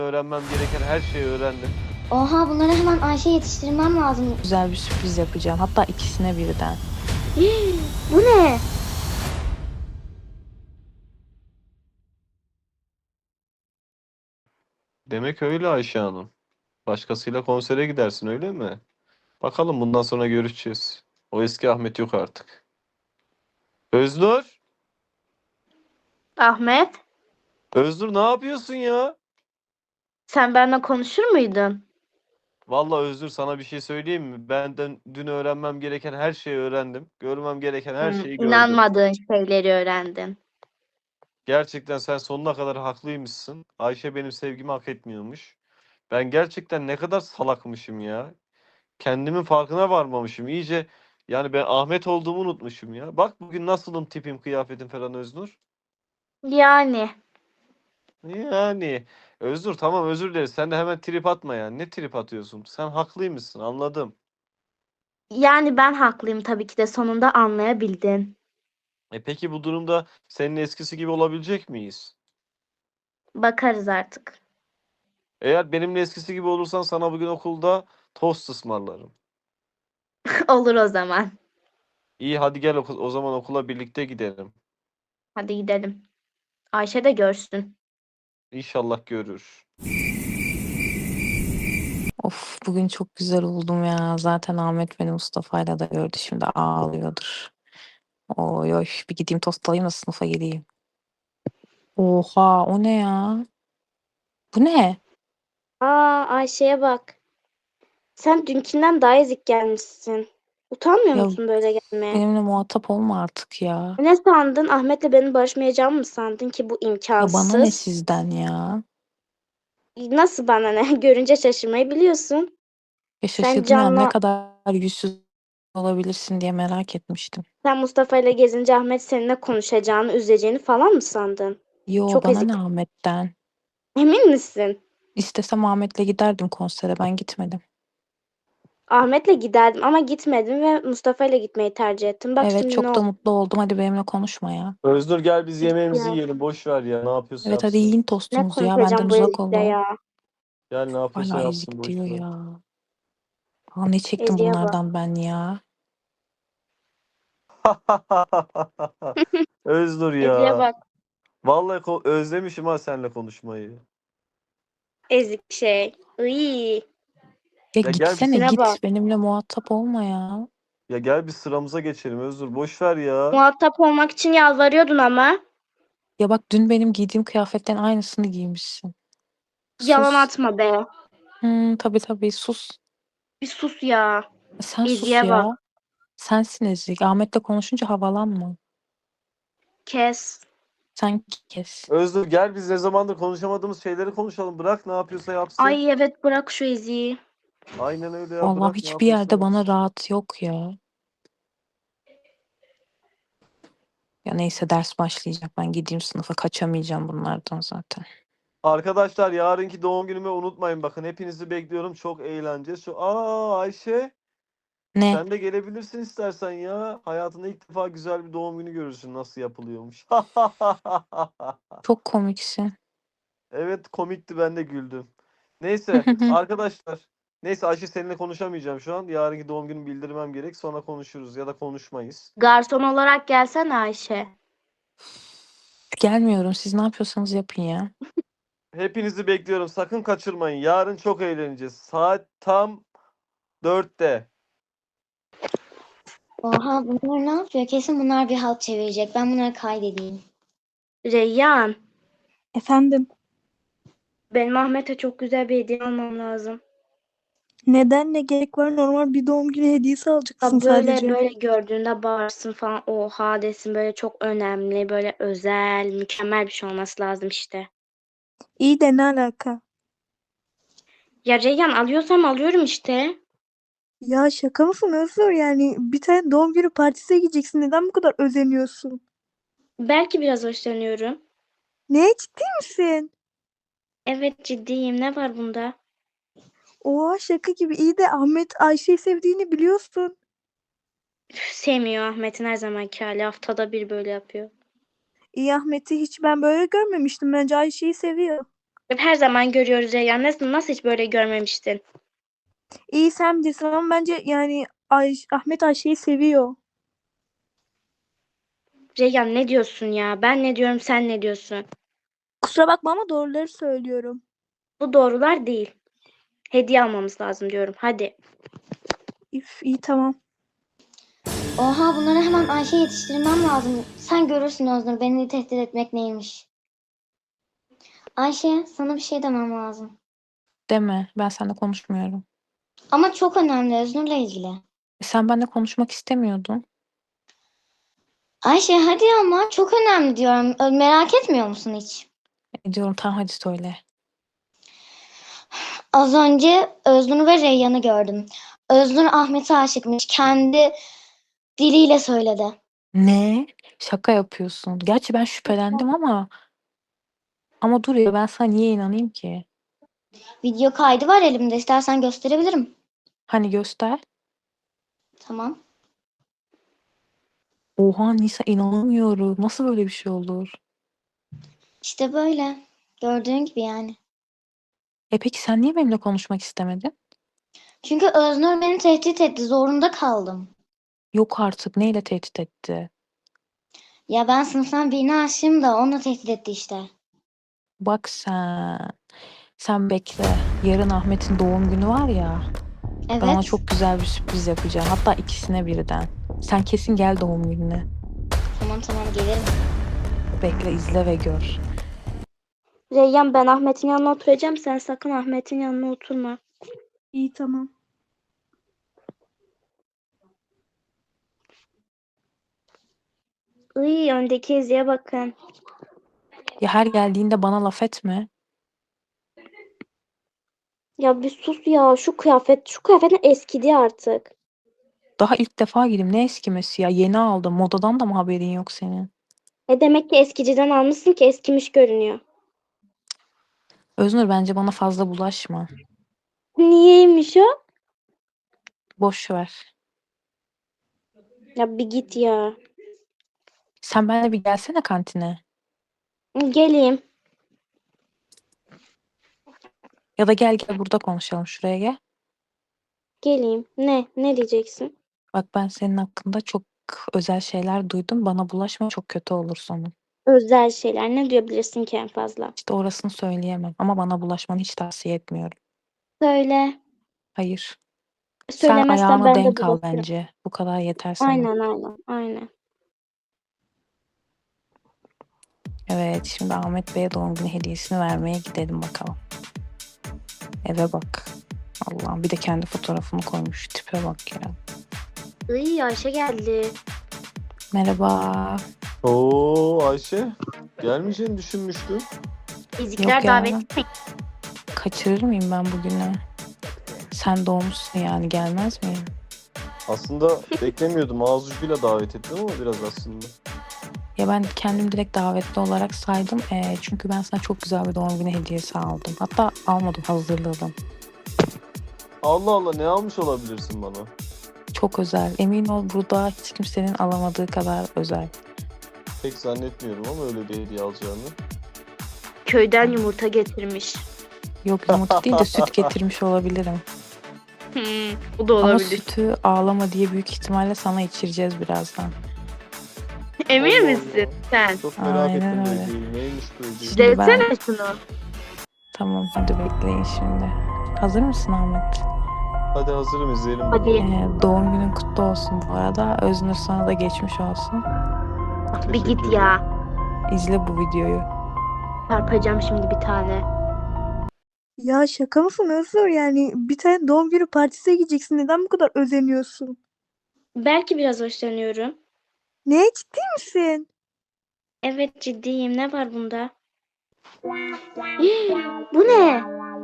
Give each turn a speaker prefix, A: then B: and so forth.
A: öğrenmem gereken her şeyi öğrendim.
B: Oha, bunları hemen Ayşe'ye yetiştirmem lazım.
C: Güzel bir sürpriz yapacağım. Hatta ikisine birden.
B: Bu ne?
A: Demek öyle Ayşe Hanım. Başkasıyla konsere gidersin öyle mi? Bakalım bundan sonra görüşeceğiz. O eski Ahmet yok artık. Öznur!
D: Ahmet,
A: Öznur ne yapıyorsun ya?
D: sen benimle konuşur muydun?
A: Vallahi Öznur sana bir şey söyleyeyim mi? Benden dün öğrenmem gereken her şeyi öğrendim. Görmem gereken her şeyi gördüm.
D: İnanmadığın şeyleri öğrendin.
A: Gerçekten sen sonuna kadar haklıymışsın. Ayşe benim sevgimi hak etmiyormuş. Ben gerçekten ne kadar salakmışım ya. Kendimin farkına varmamışım. İyice yani ben Ahmet olduğumu unutmuşum ya. Bak bugün nasılım tipim, kıyafetim falan Öznur.
D: Yani,
A: Yani Öznur tamam özür dileriz. Sen de hemen trip atma ya. Ne trip atıyorsun? Sen haklıymışsın anladım.
D: yani ben haklıyım tabii ki de sonunda anlayabildin.
A: Peki bu durumda senin eskisi gibi olabilecek miyiz?
D: Bakarız artık.
A: Eğer benimle eskisi gibi olursan sana bugün okulda tost ısmarlarım.
D: Olur o zaman.
A: İyi hadi gel o zaman okula birlikte gidelim.
D: Hadi gidelim. Ayşe de görsün.
A: İnşallah görür.
C: Of bugün çok güzel oldum ya. Zaten Ahmet beni Mustafa'yla da gördü. Şimdi ağlıyordur. Oy oy bir gideyim tost alayım da sınıfa geleyim. Oha o ne ya? Bu ne?
D: Aa, Ayşe'ye bak. Sen dünkinden daha ezik gelmişsin. Utanmıyor
C: Ya
D: musun böyle gelmeye?
C: benimle muhatap olma artık ya.
D: Ne sandın? Ahmet'le benim barışmayacağımı mı sandın ki bu
C: Ya bana ne
D: imkansız?
C: sizden ya?
D: Nasıl bana ne? Görünce şaşırmayı biliyorsun.
C: Ya
D: Sen
C: şaşırdım ya ne
D: Can'la
C: kadar yüzsüz olabilirsin diye merak etmiştim.
D: Sen Mustafa ile gezince Ahmet seninle konuşacağını, üzeceğini falan mı sandın?
C: Yo
D: Çok
C: bana
D: ezik.
C: ne Ahmet'ten?
D: Emin misin?
C: İstesem Ahmet'le giderdim konsere ben gitmedim.
D: Ahmet'le giderdim ama gitmedim ve Mustafa ile gitmeyi tercih ettim. Bak
C: Evet
D: şimdi ne
C: çok da
D: oldu?
C: mutlu oldum. Hadi benimle konuşma ya.
A: Öznur gel biz yemeğimizi
D: Ya,
A: yiyelim. Boş ver ya. Ne yapıyorsa
C: Evet hadi
A: yapsın.
C: yiyin
D: ne
C: tostunuzu ya. Benden
D: konuşacağım bu
C: uzak
D: ezikle
C: olun.
D: ya?
A: Gel ne yapıyorsa
C: Hala
A: yapsın.
C: ezik
A: Boş
C: diyor
A: ver.
C: ya. Aa, ne çektim
D: Eziğe bak.
C: bunlardan ben ya.
A: Öznur
D: Eziğe
A: ya.
D: bak.
A: Vallahi özlemişim ha seninle konuşmayı.
D: Ezik şey. Iy,
C: Ya
A: Ya gel
C: gitsene
A: biz
D: tipine
C: git.
D: bak.
C: Benimle muhatap olma ya.
A: ya gel biz sıramıza geçelim Öznur. Boş ver ya.
D: Muhatap olmak için yalvarıyordun ama.
C: Ya bak dün benim giydiğim kıyafetten aynısını giymişsin.
D: Yalan
C: Sus.
D: atma be.
C: Tabii tabii sus.
D: Bir sus ya.
C: Sen sus
D: Eziğe bak.
C: ya. Sensin ezik. Ahmet'le konuşunca havalanma.
D: Kes.
C: Sen kes.
A: Öznur gel biz ne zamandır konuşamadığımız şeyleri konuşalım. Bırak ne yapıyorsa yapsın.
D: Ay evet, bırak şu eziği.
A: Aynen öyle ya.
C: Vallahi
A: Bırak ne
C: hiçbir
A: yapıyorsa
C: yerde bana
A: yapsın.
C: rahat yok ya. Ya neyse ders başlayacak. Ben gideyim sınıfa. Kaçamayacağım bunlardan zaten.
A: Arkadaşlar yarınki doğum günümü unutmayın bakın. Hepinizi bekliyorum. Çok eğleneceğiz. Ayşe
C: Ne?
A: sen de gelebilirsin istersen ya. Hayatında ilk defa güzel bir doğum günü görürsün nasıl yapılıyormuş.
C: Çok komiksin.
A: Evet komikti ben de güldüm. Neyse arkadaşlar. Neyse Ayşe seninle konuşamayacağım şu an. Yarınki doğum günümü bildirmem gerek. Sonra konuşuruz ya da konuşmayız.
D: Garson olarak gelsene Ayşe.
C: Gelmiyorum. Siz ne yapıyorsanız yapın ya.
A: Hepinizi bekliyorum. Sakın kaçırmayın. Yarın çok eğleneceğiz. Saat tam 4'te.
B: Oha, bunlar ne yapıyor? Kesin bunlar bir halt çevirecek. Ben bunları kaydedeyim.
D: Reyyan,
E: Efendim,
D: benim Ahmet'e çok güzel bir hediye almam lazım.
E: neden ne gerek var? Normal bir doğum günü hediyesi alacaksın
D: Ya böyle
E: sadece.
D: böyle gördüğünde bağırsın falan. Oha desin, böyle çok önemli, böyle özel, mükemmel bir şey olması lazım işte.
E: İyi de ne alaka?
D: Ya Reyyan, alıyorsam alıyorum işte.
E: Ya şaka mısın Özgür? Yani bir tane doğum günü partisine gideceksin. Neden bu kadar özeniyorsun?
D: Belki biraz hoşlanıyorum.
E: Ne ciddi misin?
D: Evet, ciddiyim. Ne var bunda?
E: Oha şaka gibi. İyi de Ahmet Ayşe'yi sevdiğini biliyorsun.
D: Üf, sevmiyor Ahmet'in her zamanki hali. Haftada bir böyle yapıyor.
E: İyi Ahmet'i hiç ben böyle görmemiştim. Bence Ayşe'yi seviyor.
D: Her zaman görüyoruz Reyyan. Nasıl hiç böyle görmemiştin?
E: İyi sen bilirsin ama bence yani Ahmet Ayşe'yi seviyor.
D: Reyyan ne diyorsun ya? Ben ne diyorum, sen ne diyorsun?
E: Kusura bakma ama doğruları söylüyorum.
D: Bu doğrular değil. Hediye almamız lazım diyorum. Hadi.
E: İyi tamam.
B: Oha, bunları hemen Ayşe'ye yetiştirmem lazım. Sen görürsün Öznur, beni tehdit etmek neymiş. Ayşe, sana bir şey demem lazım.
C: Deme. Ben seninle konuşmuyorum.
B: Ama çok önemli, Öznur'la ilgili.
C: Sen benimle konuşmak istemiyordun.
B: Ayşe hadi, ama çok önemli diyorum. Merak etmiyor musun hiç?
C: Diyorum tamam hadi söyle.
B: Az önce Öznur ve Reyyan'ı gördüm. Öznur Ahmet'e aşıkmış. Kendi diliyle söyledi.
C: Ne? Şaka yapıyorsun. Gerçi ben şüphelendim ama dur ya ben sana niye inanayım ki?
B: Video kaydı var elimde. İstersen gösterebilirim.
C: Hani göster.
B: Tamam.
C: Oha Nisa inanamıyorum. Nasıl böyle bir şey olur?
B: İşte böyle. Gördüğün gibi yani.
C: Peki sen niye benimle konuşmak istemedin?
B: Çünkü Öznur beni tehdit etti. Zorunda kaldım.
C: Yok artık neyle tehdit etti?
B: Ya ben sınıftan birine aşığım da onunla tehdit etti işte.
C: Bak sen. Sen bekle. Yarın Ahmet'in doğum günü var ya. Ben ona
B: Evet.
C: çok güzel bir sürpriz yapacağım. Hatta ikisine birden. Sen kesin gel doğum gününe.
B: Tamam gelirim.
C: Bekle izle ve gör.
D: Reyyan, ben Ahmet'in yanına oturacağım. Sen sakın Ahmet'in yanına oturma.
E: İyi tamam.
D: Iy, öndeki Ezi'ye bakın.
C: Ya her geldiğinde bana laf etme.
D: Ya bir sus ya. Şu kıyafetin eskidi artık.
C: Daha ilk defa giydim. Ne eskimesi ya? Yeni aldım. Modadan da mı haberin yok senin?
D: Demek ki eskiciden almışsın ki eskimiş görünüyor.
C: Öznur bence bana fazla bulaşma.
D: Niyeymiş o?
C: Boş ver.
D: Ya bir git ya.
C: Sen benimle bir gelsene kantine.
D: Geleyim.
C: Ya da gel burada konuşalım. Şuraya gel.
D: Geleyim. Ne diyeceksin?
C: Bak ben senin hakkında çok özel şeyler duydum. Bana bulaşma çok kötü olur sonu.
D: Özel şeyler. Ne duyabilirsin ki en fazla?
C: İşte orasını söyleyemem. Ama bana bulaşmanı hiç tavsiye etmiyorum.
D: Söyle.
C: Hayır. Sen
D: Söylemezsen
C: ayağını
D: ben de
C: denk al
D: bulaşırım.
C: bence. Bu kadar yeter sana.
D: Aynen.
C: Evet, şimdi Ahmet Bey'e doğum günü hediyesini vermeye gidelim bakalım. Eve bak. Allah'ım bir de kendi fotoğrafını koymuş. Tipe bak ya.
D: Iy, Ayşe geldi.
C: Merhaba.
A: Oo Ayşe. Gelmeyeceğini düşünmüştüm.
D: Bizimkiler
C: Yok ya.
D: davetli mi?
C: Kaçırır mıyım ben bugünü? Sen doğmuşsun yani gelmez miyim?
A: Aslında beklemiyordum. Ağız ucuyla davet ettim ama biraz aslında.
C: Ya ben kendim direkt davetli olarak saydım. Çünkü ben sana çok güzel bir doğum günü hediyesi aldım. Hatta almadım, hazırladım.
A: Allah Allah, ne almış olabilirsin bana?
C: Çok özel. Emin ol burada hiç kimsenin alamadığı kadar özel.
A: Pek zannetmiyorum ama öyle bir hediye alacağını.
D: Köyden yumurta getirmiş.
C: Yok yumurta değil de süt getirmiş olabilirim.
D: Bu da
C: Ama
D: olabilir.
C: sütü ağlama diye büyük ihtimalle sana içireceğiz birazdan.
D: Emin
A: Allah
D: misin
A: Allah.
D: sen?
A: Çok merak
C: Aynen
A: ettim
C: öyle.
A: hediyeyi. Neymiş bu hediye?
C: Şimdi ben-
D: Desene şunu.
C: Tamam hadi bekleyin şimdi. Hazır mısın Ahmet?
A: Hadi hazırım, izleyelim
D: Hadi.
A: bakalım.
C: Doğum günün kutlu olsun bu arada. Öznur sana da geçmiş olsun.
D: Bir git ya.
C: İzle bu videoyu.
D: Çarpacağım şimdi bir tane.
E: Ya şaka mısın Özgür? Yani bir tane doğum günü partisine gideceksin. Neden bu kadar özeniyorsun?
D: Belki biraz hoşlanıyorum.
E: Ne, ciddi misin?
D: Evet, ciddiyim. Ne var bunda? Bu ne?